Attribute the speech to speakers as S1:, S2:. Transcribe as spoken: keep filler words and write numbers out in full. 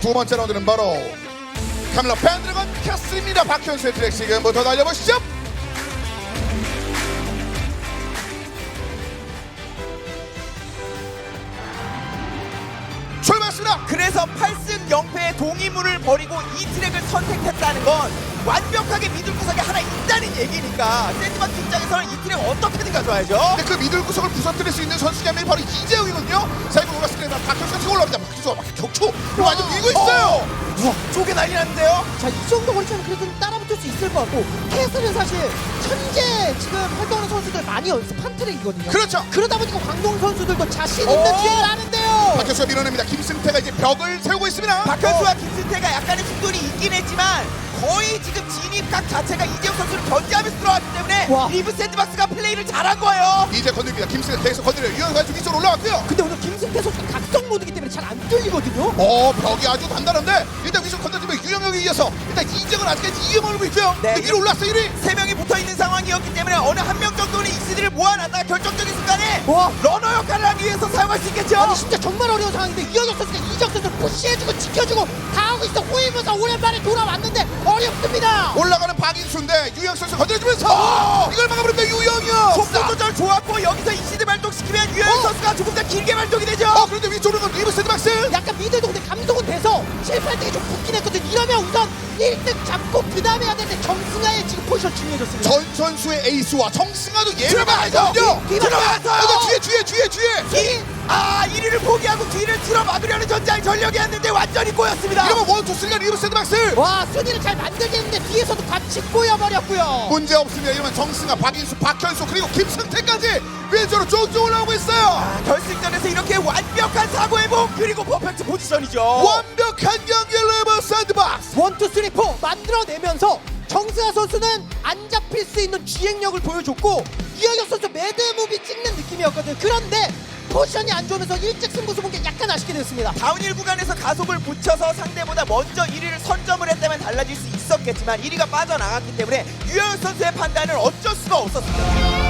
S1: 두 번째 라운드는 바로 카밀라 펜드래곤 캐슬입니다. 박현수의 트랙 지금부터 달려보시죠. 출발했습니다.
S2: 그래서 팔 승 영 패의 동의문을 버리고 이 트랙을 선택했다는 건 완벽하게 미들 구석에 하나 있다는 얘기니까 샌드박스 입장에서는 이 트랙 어떻게든 가져와야죠.
S1: 근데 그 미들 구석을 부서뜨릴 수 있는 선수 한 명이 바로 이재영이거든요. 자, 이거 올랐을 때 박현수가 치고 올라옵니다. 박현수가 막 격추 완전 밀고 있어요.
S2: 우와, 쪼개 난리 났는데요.
S3: 자, 이 정도 거리차면 그래도 좀 따라붙을 수 있을 것 같고, 캐슬은 사실 현재 지금 활동하는 선수들 많이 연습한 트랙이거든요.
S1: 그렇죠.
S3: 그러다 보니까 광동 선수들도 자신 있는
S2: 오!
S3: 주행을 하는데요.
S1: 박현수가 밀어냅니다. 김승태가 이제 벽을 세우고 있습니다.
S2: 박현수와 김승태가 약간의 충돌이 있긴 했지만 거의 지금 진입각 자체가 이재용 선수를 견제하면서 들어왔기 때문에
S3: 와.
S2: 리브 샌드박스가 플레이를 잘한 거예요.
S1: 이제 건드립니다. 김승태 계속 건드려요. 유영가 좀 위쪽으로 올라왔고요.
S3: 근데 오늘 김승태 선수가 각성 모드기 때문에 잘 안 뚫리거든요.
S1: 어, 벽이 아주 단단한데 일단 위쪽 건드리면 유영혁에 이어서 일단 이재영은 아직까지 이영을 올고 있고요.
S2: 네.
S1: 근데 위로 올랐어요. 일 위.
S2: 세 명이 붙어있는 상황이었기 때문에 어느 한 명 정도는 이씨들을 모아놨다가 결정적인 순간에
S3: 와.
S2: 러너 역할을 하기 위해서 사용할 수 있겠죠.
S3: 아니 진짜 정말 어려운 상황인데 이현혁 선수가 이적 선수를 푸시해주고 지켜주고 다 하고 있어. 호위무사 오랜만에 돌아왔는데 어렵습니다.
S1: 올라가는 박인수인데 유영 선수 건드려주면서 이걸 막아버립니다. 유영혁.
S2: 속도 조절 좋았고 여기서 이씨들 발동시키면 유현
S3: 어.
S2: 선수가 조금 더 길게 발동이 되죠.
S1: 어, 그런데 위쪽으로 건 리브 샌드박스.
S3: 약간 미들도 근데 감속은 돼서 칠팔 등이 좀 붙긴 했거든. 이러면 우선 일 등 잡고 그 다음에 해야 되는데 정승아의 지금 포지션 중요해졌습니다.
S1: 전 선수의 에이스와 정승아도 예를
S2: 들어가야죠.
S1: 받거든요.
S3: 뒤-
S2: 들어가서요.
S1: 어, 뒤에 뒤에 뒤에 뒤에.
S2: 뒤, 아 일 위를 포기하고 뒤를 틀어 막으려는 전장의 전력이었는데 완전히 꼬였습니다.
S1: 이러면 원투 쓰리가 리브 샌드박스.
S3: 와, 순위를 잘 만들겠는데 뒤에서도 같이 꼬여버렸고요.
S1: 문제 없습니다. 이러면 정승아, 박인수, 박현수 그리고 김승태까지 왼쪽으로 쭉쭉 올라오고 있어요.
S2: 아, 결승전에서 이렇게 완벽한 사고회복 그리고 퍼펙트 포지션이죠.
S1: 완벽한 경기 리브 샌드박스.
S3: 원투 쓰리 포 만들어내면서 정승아 선수는 안 잡힐 수 있는 주행력을 보여줬고 이현혁 선수 매드무비 찍는 느낌이었거든요. 그런데 포지션이 안 좋으면서 일찍 승부수 본 게 약간 아쉽게 됐습니다.
S2: 다운힐 구간에서 가속을 붙여서 상대보다 먼저 일 위를 선점을 했다면 달라질 수 있었겠지만 일 위가 빠져나갔기 때문에 유현 선수의 판단은 어쩔 수가 없었습니다.